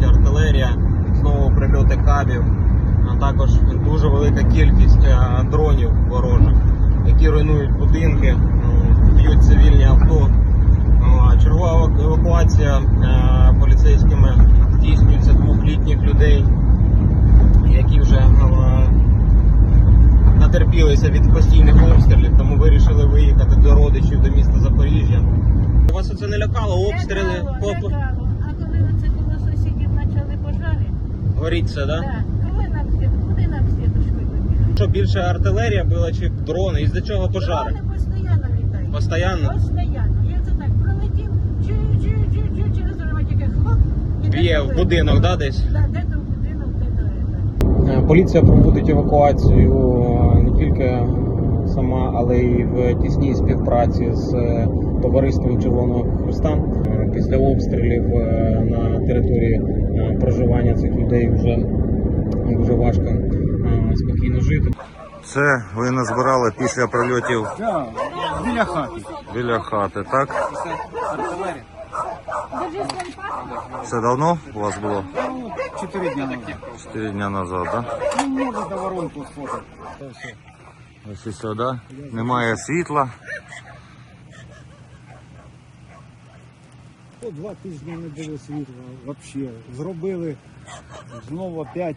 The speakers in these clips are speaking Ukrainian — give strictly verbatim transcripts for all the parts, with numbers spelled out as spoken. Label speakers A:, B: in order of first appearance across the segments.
A: прильоти артилерія, знову прильоти кабів, а також дуже велика кількість дронів ворожих, які руйнують будинки, б'ють цивільні авто. Чергова евакуація поліцейськими здійснюється двохлітніх людей, які вже натерпілися від постійних обстрілів, тому вирішили виїхати до родичів, до міста Запоріжжя. Вас оце не лякало? Обстріли?
B: Лякало, лякало. А коли оце коло сусідів почали пожари?
A: Горіть це, так?
B: Так. Коли нам світ, куди нам світочкою вибігати?
A: Що, більше артилерія була чи дрони? Із-за чого пожари?
B: Дрони постійно літають.
A: Постоянно?
B: Постійно. Я це так пролетів, чу-чу-чу-чу, через дорогу тільки хлоп. і
A: Б'є
B: де-то
A: в
B: ви-
A: будинок, да, десь?
B: Да, де-то в будинок, де-то це.
A: Поліція проводить евакуацію не тільки сама, але й в тісній співпраці з товариством Червоного Хреста. Після обстрілів на території проживання цих людей вже дуже важко спокійно жити.
C: Це ви назбирали після прильотів
D: Так, біля хати.
C: біля хати, так? Це давно у вас було?
D: Ну, чотири дня назад.
C: Чотири дня назад, так?
D: Ну, може, до воронку сфотати.
C: Ось і сюди. Немає світла.
D: По два тижні не було світла взагалі. Зробили знову опять.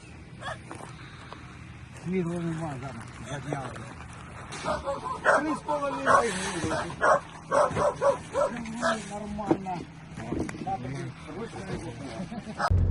D: Світла нема зараз, задняли. Три з половиною гривень. Нормально. Нормально.